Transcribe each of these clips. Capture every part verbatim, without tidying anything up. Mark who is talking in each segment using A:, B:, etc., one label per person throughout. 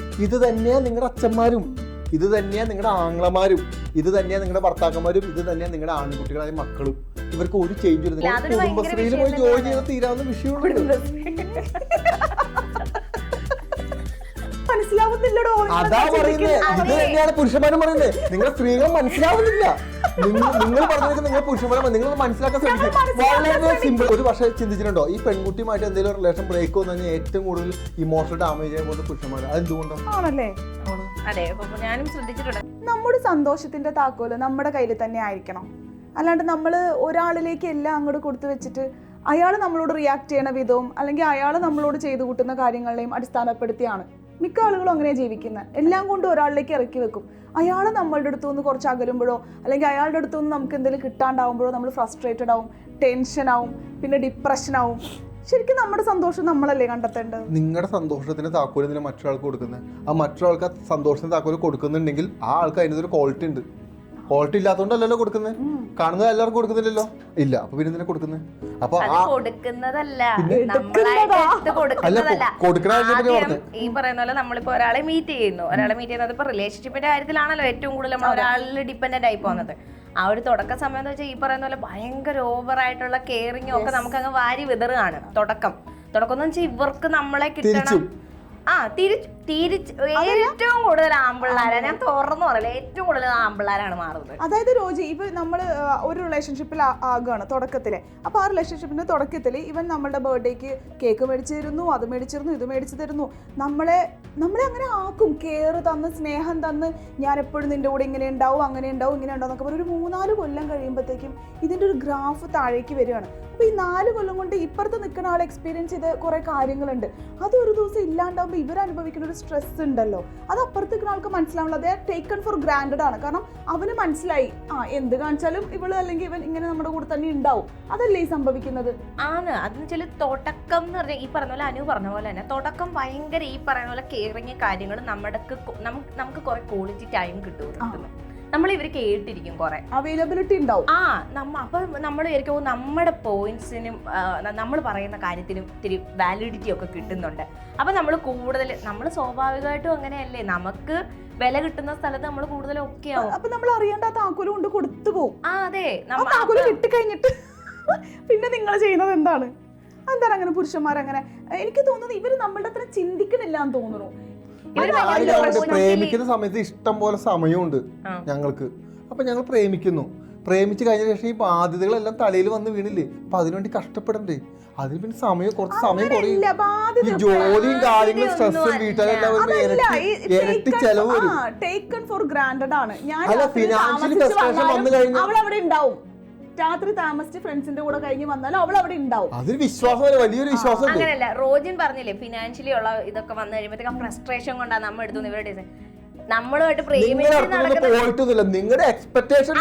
A: ഇത് തന്നെയാ നിങ്ങളുടെ അച്ഛന്മാരും, ഇത് തന്നെയാ നിങ്ങളുടെ ആങ്ങളമാരും, ഇത് തന്നെയാ നിങ്ങളുടെ ഭർത്താക്കന്മാരും, ഇത് തന്നെയാ നിങ്ങളുടെ ആൺകുട്ടികളായ മക്കളും. ഇവർക്ക് ഒരു ചേഞ്ച് വരുന്നില്ല. കുടുംബശ്രീയിൽ പോയി ജോലി ചെയ്ത് തീരാവുന്ന വിഷയമുള്ളൂ.
B: മനസ്സിലാവുന്നില്ലടോ.
A: അതാ പറയുന്നത്. ഇത് തന്നെയാണ് പുരുഷന്മാരും പറയുന്നത്. നിങ്ങൾ സ്ത്രീകൾ മനസ്സിലാവുന്നില്ല. നിങ്ങൾ പറഞ്ഞത് നിങ്ങൾ പുരുഷന്മാരെ നിങ്ങൾ മനസ്സിലാക്കാൻ ശ്രമിക്കും. വളരെ സിമ്പിൾ. ഒരു പക്ഷേ ചിന്തിച്ചിട്ടുണ്ടോ ഈ പെൺകുട്ടിയുമായിട്ട് എന്തെങ്കിലും റിലേഷൻ ബ്രേക്ക് വന്നു കഴിഞ്ഞാൽ ഏറ്റവും കൂടുതൽ ഇമോഷണൽ ഡാമേജ് ചെയ്യാൻ പോകുന്ന പുരുഷന്മാർ. അതെന്തുകൊണ്ടാണ്?
B: ആണല്ലേ?
C: അതെ, ഞാനും ശ്രദ്ധിച്ചിട്ടുണ്ട്.
B: നമ്മുടെ സന്തോഷത്തിന്റെ താക്കോല് നമ്മുടെ കയ്യിൽ തന്നെ ആയിരിക്കണം. അല്ലാണ്ട് നമ്മൾ ഒരാളിലേക്ക് എല്ലാം അങ്ങോട്ട് കൊടുത്തു വെച്ചിട്ട് അയാൾ നമ്മളോട് റിയാക്ട് ചെയ്യണ വിധവും അല്ലെങ്കിൽ അയാൾ നമ്മളോട് ചെയ്തു കൂട്ടുന്ന കാര്യങ്ങളെയും അടിസ്ഥാനപ്പെടുത്തിയാണ് മിക്ക ആളുകളും അങ്ങനെ ജീവിക്കുന്നത്. എല്ലാം കൊണ്ട് ഒരാളിലേക്ക് ഇറക്കി വെക്കും. അയാൾ നമ്മളുടെ അടുത്തു നിന്ന് കുറച്ച് അകലുമ്പോഴോ അല്ലെങ്കിൽ അയാളുടെ അടുത്തു നിന്ന് നമുക്ക് എന്തെങ്കിലും കിട്ടാണ്ടാവുമ്പോഴോ നമ്മൾ ഫ്രസ്ട്രേറ്റഡ് ആവും, ടെൻഷൻ ആവും, പിന്നെ ഡിപ്രഷൻ ആവും. ശരിക്കും നമ്മുടെ സന്തോഷം നമ്മളല്ലേ കണ്ടെത്തേണ്ടത്.
A: നിങ്ങളുടെ സന്തോഷത്തിന് താക്കോല് എന്തിനാ മറ്റൊരാൾക്ക് കൊടുക്കുന്നത്? ആ മറ്റൊരാൾക്ക് ആ സന്തോഷത്തിന് താക്കോല് കൊടുക്കുന്നുണ്ടെങ്കിൽ ആ ആൾക്ക് അതിനൊരു ക്വാളിറ്റി ഉണ്ട്. ക്വാളിറ്റി ഇല്ലാത്തതുകൊണ്ടല്ലോ കൊടുക്കുന്നത്. കാണുന്നത് എല്ലാവർക്കും കൊടുക്കുന്നില്ലല്ലോ. ഇല്ല, അപ്പൊ പിന്നെ എന്തിനാ കൊടുക്കുന്നത്? അപ്പൊ
C: കൊടുക്കുന്നതല്ല, നമ്മളായിട്ട് കൊടുക്കുന്നതല്ല. ഈ പറയുന്ന പോലെ നമ്മളിപ്പോ ഒരാളെ മീറ്റ് ചെയ്യുന്നു, ഒരാളെ മീറ്റ് ചെയ്യുന്നത് ഇപ്പൊ റിലേഷൻഷിപ്പിന്റെ കാര്യത്തിലാണല്ലോ ഏറ്റവും കൂടുതൽ നമ്മൾ ഒരാളിൽ ഡിപ്പെൻഡന്റ് ആയി പോകുന്നത്. ആ ഒരു തുടക്ക സമയം എന്ന് വെച്ചാൽ ഈ പറയുന്ന പോലെ ഭയങ്കര ഓവർ ആയിട്ടുള്ള കെയറിങ്ങും ഒക്കെ നമുക്ക് അങ്ങ് വാരി വിതറുകയാണ്. തുടക്കം തുടക്കം എന്ന് വെച്ചാൽ ഇവർക്ക് നമ്മളെ കിട്ടണം. ആ തിരിച്ച് തിരിച്ച് ഏറ്റവും കൂടുതൽ ആമ്പിള്ളാരാ, ഞാൻ തുറന്നു പറയില്ല, ഏറ്റവും കൂടുതൽ ആമ്പിള്ളാരാണ് മാറുന്നത്.
B: അതായത് രോജി, ഇപ്പൊ നമ്മള് ഒരു റിലേഷൻഷിപ്പിൽ ആകുകയാണ് തുടക്കത്തില്. അപ്പൊ ആ റിലേഷൻഷിപ്പിന്റെ തുടക്കത്തിൽ ഇവൻ നമ്മളുടെ ബർത്ത്ഡേക്ക് കേക്ക് മേടിച്ചു തരുന്നു, അത് മേടിച്ചിരുന്നു, ഇത് മേടിച്ചു തരുന്നു. നമ്മളെ നമ്മളെ അങ്ങനെ ആക്കും, കെയർ തന്ന് സ്നേഹം തന്ന് ഞാൻ എപ്പോഴും നിന്റെ കൂടെ ഇങ്ങനെ ഉണ്ടാവും, അങ്ങനെ ഉണ്ടാവും, ഇങ്ങനെ ഉണ്ടാവും എന്നൊക്കെ പറഞ്ഞ് ഒരു മൂന്നാല് കൊല്ലം കഴിയുമ്പോഴത്തേക്കും ഇതിന്റെ ഒരു ഗ്രാഫ് താഴേക്ക് വരികയാണ്. അപ്പൊ ഈ നാല് കൊല്ലം കൊണ്ട് ഇപ്പുറത്ത് നിൽക്കുന്ന ആൾ എക്സ്പീരിയൻസ് ചെയ്ത കുറെ കാര്യങ്ങളുണ്ട്. അത് ഒരു ദിവസം ഇല്ലാണ്ടാവുമ്പോൾ ഇവർ അനുഭവിക്കുന്ന ഒരു സ്ട്രെസ് ഉണ്ടല്ലോ, അത് അപ്പുറത്ത് നിൽക്കുന്ന ആൾക്ക് മനസ്സിലാവുള്ളൂ. അത് ടേക്കൺ ഫോർ ഗ്രാൻഡഡ് ആണ്. കാരണം അവന് മനസ്സിലായി, ആ എന്ത് കാണിച്ചാലും ഇവള് അല്ലെങ്കിൽ ഇവൻ ഇങ്ങനെ നമ്മുടെ കൂടെ തന്നെ ഉണ്ടാവും. അതല്ലേ ഈ സംഭവിക്കുന്നത്?
C: ആണ്. അതെന്ന് വെച്ചാൽ തുടക്കം എന്ന് പറഞ്ഞാൽ ഈ പറഞ്ഞ പോലെ അനു പറഞ്ഞ പോലെ തന്നെ തുടക്കം ഭയങ്കര ഈ പറയുന്ന പോലെ കെയറിങ് കാര്യങ്ങൾ നമ്മുടെ നമുക്ക് കുറെ ക്വാളിറ്റി ടൈം കിട്ടും. നമ്മൾ ഇവർ കേട്ടിരിക്കും, കുറെ
B: അവൈലബിലിറ്റി ഉണ്ടാവും.
C: ആ നമ്മ അപ്പൊ നമ്മൾ വിചാരിക്കും നമ്മുടെ പോയിന്റ്സിനും നമ്മൾ പറയുന്ന കാര്യത്തിനും ഇത്തിരി വാലിഡിറ്റി ഒക്കെ കിട്ടുന്നുണ്ട്. അപ്പൊ നമ്മൾ കൂടുതൽ നമ്മൾ സ്വാഭാവികമായിട്ടും അങ്ങനെയല്ലേ, നമുക്ക് വില കിട്ടുന്ന സ്ഥലത്ത് നമ്മൾ കൂടുതൽ ഒക്കെ ആവും.
B: അപ്പൊ നമ്മൾ അറിയേണ്ട ആ താക്കോല് കൊണ്ട് കൊടുത്തു പോകും.
C: ആ അതെ,
B: താക്കോല് കിട്ടിക്കഴിഞ്ഞിട്ട് പിന്നെ നിങ്ങൾ ചെയ്യുന്നത് എന്താണ്? എന്താണ് അങ്ങനെ പുരുഷന്മാരങ്ങനെ? എനിക്ക് തോന്നുന്നത് ഇവര് നമ്മളുടെ അത്ര ചിന്തിക്കണില്ല എന്ന് തോന്നുന്നു.
A: പ്രേമിക്കുന്ന സമയത്ത് ഇഷ്ടം പോലെ സമയമുണ്ട് ഞങ്ങൾക്ക്. അപ്പൊ ഞങ്ങൾ പ്രേമിക്കുന്നു, പ്രേമിച്ച് കഴിഞ്ഞ ശേഷം ഈ ബാധ്യതകളെല്ലാം തലയിൽ വന്ന് വീണില്ലേ, അപ്പൊ അതിനുവേണ്ടി കഷ്ടപ്പെടണ്ടേ? അതിന് പിന്നെ സമയം കുറച്ച് സമയം കുറയും. ഈ ജോലിയും കാര്യങ്ങളും സ്ട്രെസ്സും വീട്ടിലെല്ലാം ഇരട്ടി ചെലവ് വരും. അല്ല, ഫിനാൻഷ്യലി ഫ്രസ്ട്രേഷൻ വന്നു കഴിഞ്ഞാൽ
B: അവൾ അവിടെ ഉണ്ടാവും. രാത്രി താമസിച്ച് ഫ്രണ്ട്സിന്റെ കൂടെ കഴിഞ്ഞ് വന്നാലും അവൾ അവിടെ ഉണ്ടാവും.
A: അതൊരു വിശ്വാസം, വലിയൊരു വിശ്വാസം.
C: അങ്ങനെയല്ല, റോജിൻ പറഞ്ഞില്ലേ ഫിനാൻഷ്യലി ഉള്ള ഇതൊക്കെ വന്നു കഴിയുമ്പോഴത്തേക്ക് ഫ്രസ്ട്രേഷൻ കൊണ്ടാണ് നമ്മൾ എടുത്തു ഇവരുടെ നമ്മളുമായിട്ട്
A: പോയിട്ടൊന്നുമില്ല. നിങ്ങളുടെ എക്സ്പെക്ടേഷൻ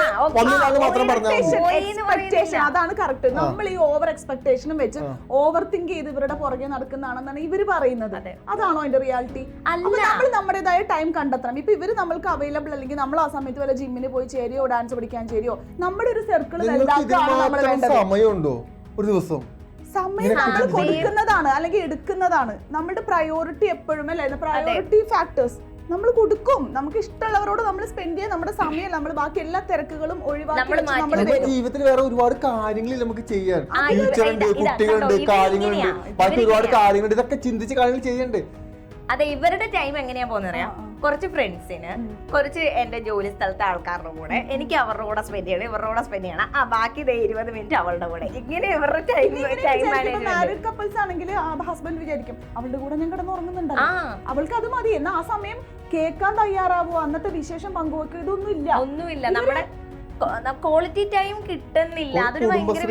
B: അതാണ് കറക്റ്റ്. നമ്മൾ ഈ ഓവർ എക്സ്പെക്ടേഷനും വെച്ച് ഓവർ തിങ്ക് ചെയ്ത് ഇവരുടെ പുറകെ നടക്കുന്നതാണെന്നാണ് ഇവര് പറയുന്നത്. അതാണോ അതിന്റെ റിയാലിറ്റി? നമ്മൾ നമ്മുടേതായ ടൈം കണ്ടെത്തണം. ഇപ്പൊ ഇവര് നമ്മൾക്ക് അവൈലബിൾ അല്ലെങ്കിൽ നമ്മൾ ആ സമയത്ത് വല്ല ജിമ്മിന് പോയി ചേരിയോ ഡാൻസ് പഠിക്കാൻ ചേരിയോ നമ്മുടെ ഒരു സർക്കിൾ
A: സമയമുണ്ടോ ഒരു ദിവസം?
B: സമയം നമ്മൾ കൊടുക്കുന്നതാണ് അല്ലെങ്കിൽ എടുക്കുന്നതാണ് നമ്മുടെ പ്രയോറിറ്റി. എപ്പോഴും അല്ലേ പ്രയോറിറ്റി ഫാക്ടേഴ്സ് നമ്മൾ കൊടുക്കും. നമുക്ക് ഇഷ്ടമുള്ളവരോട് നമ്മൾ സ്പെൻഡ് ചെയ്യാൻ നമ്മുടെ സമയം നമ്മൾ ബാക്കി എല്ലാ തിരക്കുകളും ഒഴിവാക്കി
A: ജീവിതത്തിൽ വേറെ ഒരുപാട് കാര്യങ്ങളിൽ നമുക്ക് ചെയ്യാൻ, ടീച്ചറുണ്ട്, കുട്ടികളുണ്ട്, കാര്യങ്ങളുണ്ട്, ബാക്കി ഒരുപാട് കാര്യങ്ങളുണ്ട്. ഇതൊക്കെ ചിന്തിച്ച് കാര്യങ്ങൾ ചെയ്യണ്ടേ?
C: അതെ, ഇവരുടെ ടൈം എങ്ങനെയാ പോകുന്നത് അറിയാം. കുറച്ച് ഫ്രണ്ട്സിന്, കുറച്ച് എന്റെ ജോലി സ്ഥലത്തെ ആൾക്കാരുടെ കൂടെ, എനിക്ക് അവരുടെ കൂടെ സ്പെൻഡ് ചെയ്യണം, ഇവരുടെ കൂടെ സ്പെൻഡ് ചെയ്യണം. ആ ബാക്കി ഇരുപത് മിനിറ്റ് അവളുടെ കൂടെ. ഇങ്ങനെ ഇവരുടെ ടൈം ടൈം
B: മാരീഡ് കപ്പിൾസ് ആണെങ്കിൽ ഹസ്ബൻഡ് വിചാരിക്കും അവളുടെ കൂടെ ഞാൻ കിടന്ന് ഉറങ്ങുന്നുണ്ടല്ലോ, അവൾക്ക് അത് മതി. എന്നാ ആ സമയം കേൾക്കാൻ തയ്യാറാവോ, അന്നത്തെ വിശേഷം പങ്കുവെക്കുക, ഇതൊന്നും ഇല്ല,
C: ഒന്നുമില്ല. നമ്മുടെ ക്വാളിറ്റി ടൈം കിട്ടുന്നില്ല. അതൊരു ഭയങ്കര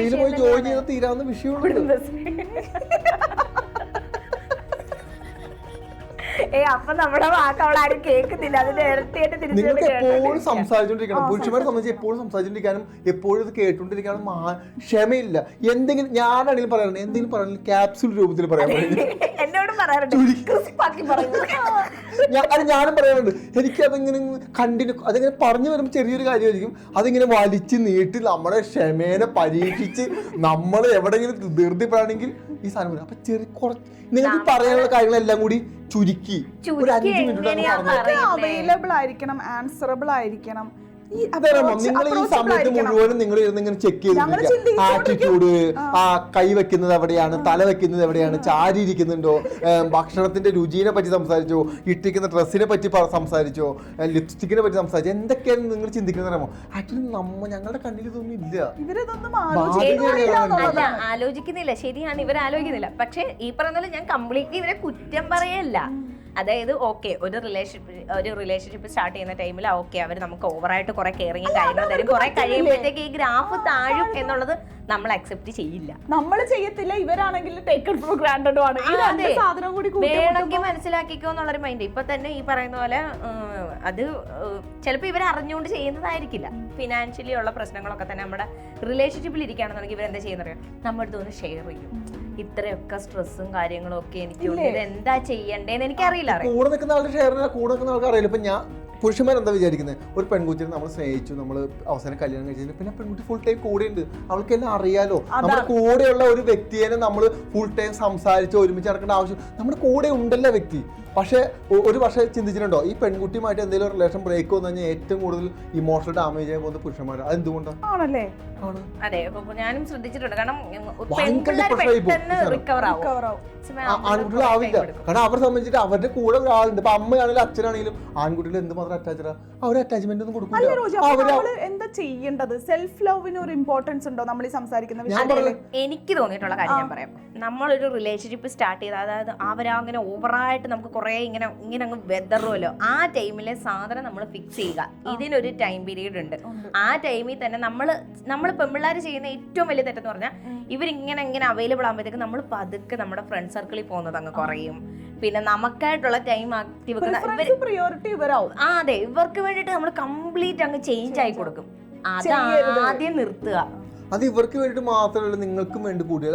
C: ഏ അപ്പൊ നമ്മുടെ വാക്ക് അവൾ ആരും കേൾക്കുന്നില്ല. അതിന്റെ ഇരട്ടിയായിട്ട്
A: നിങ്ങൾക്ക് എപ്പോഴും സംസാരിച്ചോണ്ടിരിക്കണം. പുരുഷന്മാരെ സംബന്ധിച്ച് എപ്പോഴും സംസാരിച്ചോണ്ടിരിക്കാനും എപ്പോഴും ഇത് കേട്ടോണ്ടിരിക്കാനും ക്ഷമയില്ല. എന്തെങ്കിലും ഞാനാണെങ്കിലും പറയാറുണ്ട്, എന്തെങ്കിലും പറയാനും ക്യാപ്സ്യൂൾ രൂപത്തിൽ പറയാൻ
C: എന്നോടും പറയാറുണ്ട്.
A: ഞാനും പറയാറുണ്ട്. എനിക്ക് അതിങ്ങനെ കണ്ടിന്യൂ അതിങ്ങനെ പറഞ്ഞു വരുമ്പോൾ ചെറിയൊരു കാര്യമായിരിക്കും, അതിങ്ങനെ വലിച്ച് നീട്ടി നമ്മുടെ ക്ഷമേനെ പരീക്ഷിച്ച് നമ്മൾ എവിടെയെങ്കിലും ധൃതിപ്പെടാണെങ്കിൽ ഈ സാധനം വരും. അപ്പൊ ചെറിയ കുറച്ച് നിങ്ങൾക്ക് പറയാനുള്ള കാര്യങ്ങളെല്ലാം കൂടി ചുരുക്കി ഒരു അഞ്ച് മിനിറ്റ്
B: അവൈലബിൾ ആയിരിക്കണം, ആൻസറബിൾ ആയിരിക്കണം.
A: നിങ്ങൾ ഈ സമയത്ത് മുഴുവനും നിങ്ങൾ ഇരുന്ന് ഇങ്ങനെ ചെക്ക് ചെയ്ത് ആറ്റിറ്റ്യൂഡ്, ആ കൈ വെക്കുന്നത് എവിടെയാണ്, തല വെക്കുന്നത് എവിടെയാണ്, ചാരി ഇരിക്കുന്നുണ്ടോ, ഭക്ഷണത്തിന്റെ രുചിയെ പറ്റി സംസാരിച്ചോ, ഇട്ടിരിക്കുന്ന ഡ്രസ്സിനെ പറ്റി സംസാരിച്ചോ, ലിപ്സ്റ്റിക്കിനെ പറ്റി സംസാരിച്ചോ, എന്തൊക്കെയാണ് നിങ്ങൾ ചിന്തിക്കുന്നറിയാമോ? ആക്ച്വലി നമ്മ ഞങ്ങളുടെ കണ്ണിൽ ഇതൊന്നും ഇല്ല.
C: അല്ല, ആലോചിക്കുന്നില്ല, ശരിയാണ്, ഇവർ ആലോചിക്കുന്നില്ല. പക്ഷെ ഈ പറഞ്ഞ ഞാൻ കംപ്ലീറ്റ്ലി ഇവരെ കുറ്റം പറയല്ല. അതായത് ഓക്കെ, ഒരു റിലേഷൻഷിപ്പ് ഒരു റിലേഷൻഷിപ്പ് സ്റ്റാർട്ട് ചെയ്യുന്ന ടൈമിൽ ഓക്കെ അവർ നമുക്ക് ഓവറായിട്ട് കുറെ കെയറിങ്ങും കാര്യങ്ങളും തരും. കുറെ കഴിയുമ്പോഴത്തേക്ക് ഈ ഗ്രാഫ് താഴും എന്നുള്ളത് നമ്മൾ അക്സെപ്റ്റ് ചെയ്യില്ല,
B: നമ്മൾ ചെയ്യത്തില്ല. ഇവരാണെങ്കിൽ ടേക്കൺ ഫോർ ഗ്രാൻഡഡ് ആണ്.
C: വേണമെങ്കിൽ മനസ്സിലാക്കിക്കോ എന്നുള്ളൊരു മൈൻഡ്. ഇപ്പൊ തന്നെ ഈ പറയുന്ന പോലെ അത് ചിലപ്പോൾ ഇവർ അറിഞ്ഞുകൊണ്ട് ചെയ്യുന്നതായിരിക്കില്ല. ഫിനാൻഷ്യലി ഉള്ള പ്രശ്നങ്ങളൊക്കെ തന്നെ നമ്മുടെ റിലേഷൻഷിപ്പിൽ ഇരിക്കുകയാണെന്നുണ്ടെങ്കിൽ ഇവരെന്താ ചെയ്യുന്നത്, നമ്മുടെ അടുത്ത് ഒന്ന് ഷെയർ ചെയ്യും. ഇത്രയൊക്കെ സ്ട്രെസ്സും കാര്യങ്ങളും ഒക്കെ എനിക്കുണ്ട്, ഇത് എന്താ ചെയ്യണ്ടേന്ന് എനിക്കറിയില്ല.
A: കൂടെ നിൽക്കുന്ന ആളുടെ ഷെയർ കൂടെ നിൽക്കുന്ന ആൾക്ക് അറിയില്ല. ഇപ്പൊ ഞാൻ പുരുഷന്മാരെന്താ വിചാരിക്കുന്നത്, ഒരു പെൺകുട്ടിനെ നമ്മൾ സ്നേഹിച്ചു, നമ്മൾ അവസാനം കല്യാണം കഴിച്ചു, പിന്നെ പെൺകുട്ടി ഫുൾ ടൈം കൂടെ ഉണ്ട്, അവൾക്ക് എല്ലാം അറിയാലോ. നമ്മുടെ കൂടെയുള്ള ഒരു വ്യക്തിയെ നമ്മൾ ഫുൾ ടൈം സംസാരിച്ച് ഒരുമിച്ച് നടക്കേണ്ട ആവശ്യം, നമ്മുടെ കൂടെ ഉണ്ടല്ലോ വ്യക്തി. പക്ഷെ ഒരു പക്ഷേ ചിന്തിച്ചിട്ടുണ്ടോ, ഈ പെൺകുട്ടിയുമായിട്ട് എന്തെങ്കിലും റിലേഷൻ ബ്രേക്ക് വന്നു കഴിഞ്ഞാൽ ഏറ്റവും കൂടുതൽ ഇമോഷണൽ ഡാമേജ് ആയി പോകുന്ന പുരുഷന്മാർ. അതെന്തുകൊണ്ടാണ്?
B: ആണല്ലേ?
C: അതെ, ഞാനും ശ്രദ്ധിച്ചിട്ടുണ്ട്. കാരണം
A: ആൺകുട്ടികൾ ആവില്ല. കാരണം അവരെ സംബന്ധിച്ചിട്ട് അവരുടെ കൂടെ ഒരാളുണ്ട്. ഇപ്പൊ അമ്മയാണെങ്കിലും അച്ഛനാണെങ്കിലും ആൺകുട്ടികൾ എന്തുമാത്രം അറ്റാച്ച്ഡാ, അവര് അറ്റാച്ച്മെന്റ് ഒന്നും കൊടുക്കില്ല.
B: എന്താ ചെയ്യേണ്ടത്? സെൽഫ് ലവിന് ഒരു ഇമ്പോർട്ടൻസ് ഉണ്ടോ നമ്മൾ ഈ സംസാരിക്കുന്ന വിഷയത്തിൽ?
C: എനിക്ക് തോന്നിയിട്ടുള്ള കാര്യം ഞാൻ പറയാം. നമ്മളൊരു റിലേഷൻഷിപ്പ് സ്റ്റാർട്ട് ചെയ്ത്, അതായത് അവരങ്ങനെ ഓവറായിട്ട് നമുക്ക് കുറെ ഇങ്ങനെ ഇങ്ങനെ അങ്ങ് വെതറുമല്ലോ, ആ ടൈമിലെ സാധനം നമ്മൾ ഫിക്സ് ചെയ്യുക. ഇതിനൊരു ടൈം പീരീഡ് ഉണ്ട്. ആ ടൈമിൽ തന്നെ നമ്മൾ നമ്മൾ പെൺപിള്ളേർ ചെയ്യുന്ന ഏറ്റവും വലിയ തെറ്റെന്ന് പറഞ്ഞാൽ ഇവരിങ്ങനെ ഇങ്ങനെ അവൈലബിൾ ആകുമ്പോഴത്തേക്ക് നമ്മൾ പതുക്കെ നമ്മുടെ ഫ്രണ്ട് സർക്കിളിൽ പോകുന്നത് അങ്ങ് കുറയും. പിന്നെ നമുക്കായിട്ടുള്ള ടൈം ആക്ടി വെക്കുന്ന
B: പ്രിയോറിറ്റി ഇവരാവും.
C: ആ അതെ, ഇവർക്ക് വേണ്ടിയിട്ട് നമ്മൾ കംപ്ലീറ്റ് അങ്ങ് ചേഞ്ച് ആയി കൊടുക്കും. അത് ആദ്യം നിർത്തുക.
A: അത് ഇവർക്ക് വേണ്ടിട്ട് മാത്രമല്ല, നിങ്ങൾക്കും വേണ്ടി കൂട്ടിയത്.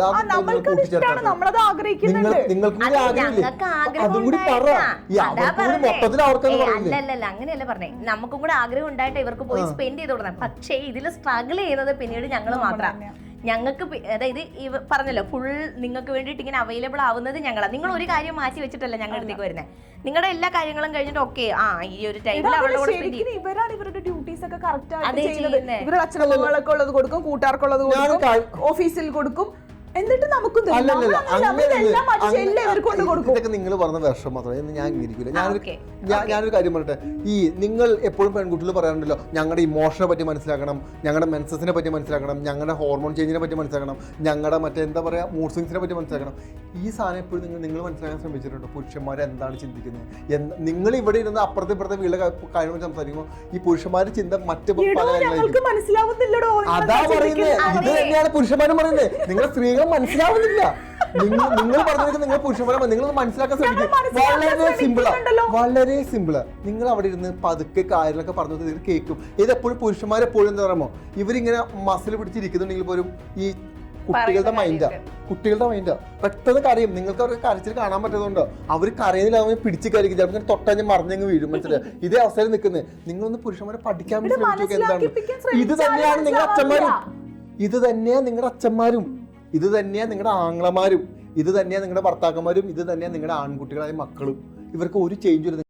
C: അല്ലല്ല, അങ്ങനെയല്ല പറഞ്ഞേ. നമുക്കും കൂടെ ആഗ്രഹം ഉണ്ടായിട്ട് ഇവർക്ക് പോയി സ്പെൻഡ് ചെയ്ത് കൊടുക്കണം. പക്ഷേ ഇതിൽ സ്ട്രഗിൾ ചെയ്യുന്നത് പിന്നീട് ഞങ്ങൾ മാത്രമാണ്. ഞങ്ങൾക്ക് അതായത് ഈ പറഞ്ഞല്ലോ, ഫുൾ നിങ്ങൾക്ക് വേണ്ടിയിട്ട് ഇങ്ങനെ അവൈലബിൾ ആവുന്നത് ഞങ്ങളാണ്. നിങ്ങൾ ഒരു കാര്യം മാറ്റി വെച്ചിട്ടല്ല ഞങ്ങളുടെ അടുത്തേക്ക് വരുന്നത്. നിങ്ങളുടെ എല്ലാ കാര്യങ്ങളും കഴിഞ്ഞിട്ട് ഓക്കെ, ആ ഈ ഒരു ടൈമിൽ അവളുടെ കൂടെ
B: ഇവരാണ് ഇവരുടെ ഡ്യൂട്ടീസ് ഒക്കെ കറക്റ്റ് ആയിട്ട് ചെയ്യുന്നത്. ഇവരുടെ അച്ഛനമ്മകളൊക്കെ ഉള്ളത് കൊടുക്കും, കൂട്ടുകാർക്കുള്ളത് കൊടുക്കും, ഓഫീസിൽ കൊടുക്കും. എന്നിട്ട് നമുക്ക്
A: ഇതൊക്കെ നിങ്ങൾ പറഞ്ഞ വിഷം മാത്രമേ ഞാൻ അംഗീകരിക്കില്ല. ഞാനൊരു ഞാനൊരു കാര്യം പറയട്ടെ. ഈ നിങ്ങൾ എപ്പോഴും പെൺകുട്ടികൾ പറയാറുണ്ടല്ലോ, ഞങ്ങളുടെ ഇമോഷനെ പറ്റി മനസ്സിലാക്കണം, ഞങ്ങളുടെ മെൻസസിനെ പറ്റി മനസ്സിലാക്കണം, ഞങ്ങളുടെ ഹോർമോൺ ചേഞ്ചിനെ പറ്റി മനസ്സിലാക്കണം, ഞങ്ങളുടെ മറ്റേ എന്താ പറയുക മൂഡ് സ്വിങ്സിനെ പറ്റി മനസ്സിലാക്കണം. ഈ സാധനം എപ്പോഴും നിങ്ങൾ നിങ്ങൾ മനസ്സിലാക്കാൻ ശ്രമിച്ചിട്ടുണ്ടോ? പുരുഷന്മാർ എന്താണ് ചിന്തിക്കുന്നത്? എന്താ നിങ്ങൾ ഇവിടെ ഇരുന്ന് അപ്പുറത്തെ ഇപ്പുറത്തെ വീട്ടിലെ കാര്യങ്ങൾ സംസാരിക്കുമ്പോൾ ഈ പുരുഷന്മാരുടെ ചിന്ത മറ്റു പല കാര്യങ്ങളായിരിക്കും. അതാ പറയുന്നത്. ഇത് തന്നെയാണ് പുരുഷന്മാരും പറയുന്നത്. നിങ്ങളെ സ്ത്രീകൾ മനസ്സിലാവുന്നില്ല. നിങ്ങൾ നിങ്ങൾ പറഞ്ഞത് നിങ്ങൾ പുരുഷന്മാരെ നിങ്ങൾ മനസ്സിലാക്കാൻ ശ്രമിക്കും. വളരെ സിമ്പിളാ, വളരെ സിമ്പിളാ. നിങ്ങൾ അവിടെ ഇരുന്ന് പതുക്കെ കാര്യങ്ങളൊക്കെ പറഞ്ഞത് ഇത് കേൾക്കും. ഇതെപ്പോഴും പുരുഷന്മാരെപ്പോഴും എന്താ പറയുമോ, ഇവരിങ്ങനെ മസിൽ പിടിച്ചിരിക്കുന്നുണ്ടെങ്കിൽ പോലും ഈ കുട്ടികളുടെ മൈൻഡാ കുട്ടികളുടെ മൈൻഡാ പെട്ടെന്ന് കരയും. നിങ്ങൾക്ക് അവർക്ക് കരച്ചിൽ കാണാൻ പറ്റുന്നുണ്ടോ? അവർ കരയുന്നില്ല, അവർ പിടിച്ച് കരയ്ക്കും, ചിലപ്പോൾ തൊട്ടഞ്ഞ് മറിഞ്ഞങ്ങ് വീഴും. മനസ്സിലായി? ഇതേ അവസരം നിൽക്കുന്നത്. നിങ്ങളൊന്ന് പുരുഷന്മാരെ പഠിക്കാൻ വേണ്ടി ശ്രമിച്ചു. എന്താണ് ഇത് തന്നെയാണ് നിങ്ങളുടെ അച്ഛന്മാരും, ഇത് തന്നെയാ നിങ്ങളുടെ അച്ഛന്മാരും, ഇത് തന്നെയാ നിങ്ങളുടെ ആങ്ങളമാരും, ഇത് തന്നെയാ നിങ്ങളുടെ ഭർത്താക്കന്മാരും, ഇത് തന്നെയാ നിങ്ങളുടെ ആൺകുട്ടികളായ മക്കളും. ഇവർക്ക് ഒരു ചേഞ്ച് ഇല്ല.